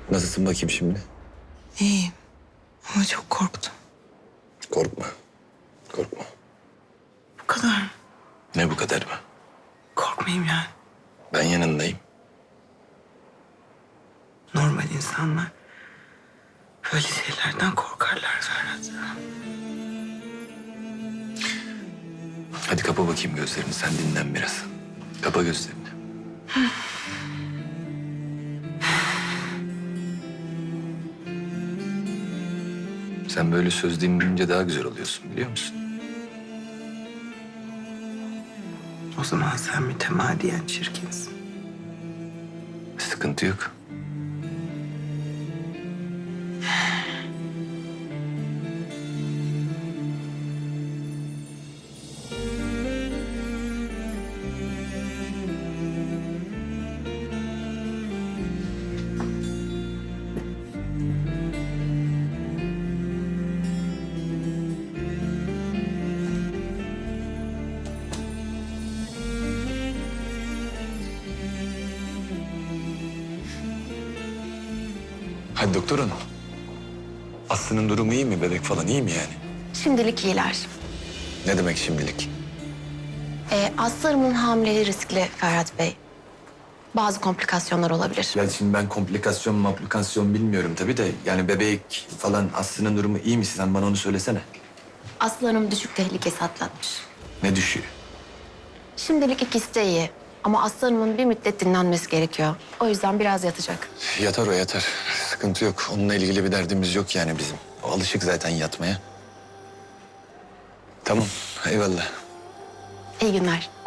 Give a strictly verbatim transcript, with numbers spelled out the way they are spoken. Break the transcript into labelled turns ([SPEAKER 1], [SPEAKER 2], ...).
[SPEAKER 1] Nasılsın bakayım şimdi?
[SPEAKER 2] İyiyim ama çok korktum.
[SPEAKER 1] Korkma. Korkma.
[SPEAKER 2] Bu kadar mı?
[SPEAKER 1] Ne bu kadar mı?
[SPEAKER 2] Korkmayayım yani.
[SPEAKER 1] Ben yanındayım.
[SPEAKER 2] Normal insanlar böyle şeylerden korkarlar Ferhat.
[SPEAKER 1] Hadi kapa bakayım gözlerini. Sen dinlen biraz. Kapa gözlerini. Sen böyle söz dinleyince daha güzel oluyorsun biliyor musun?
[SPEAKER 2] O zaman sen mütemadiyen çirkinsin.
[SPEAKER 1] Sıkıntı yok. Hadi doktor hanım. Aslı'nın durumu iyi mi? Bebek falan iyi mi yani?
[SPEAKER 3] Şimdilik iyiler.
[SPEAKER 1] Ne demek şimdilik?
[SPEAKER 3] Ee, Aslı Hanım'ın hamileliği riskli Ferhat Bey. Bazı komplikasyonlar olabilir.
[SPEAKER 1] Ya şimdi ben komplikasyon maplikasyon bilmiyorum tabii de... ...yani bebek falan Aslı'nın durumu iyi mi? Sen bana onu söylesene.
[SPEAKER 3] Aslı Hanım düşük tehlikesi atlatmış.
[SPEAKER 1] Ne düşüyor?
[SPEAKER 3] Şimdilik ikisi de iyi. Ama Aslı Hanım'ın bir müddet dinlenmesi gerekiyor. O yüzden biraz yatacak.
[SPEAKER 1] Yatar o yatar. Sıkıntı yok. Onunla ilgili bir derdimiz yok yani bizim. O alışık zaten yatmaya. Tamam eyvallah.
[SPEAKER 3] İyi günler.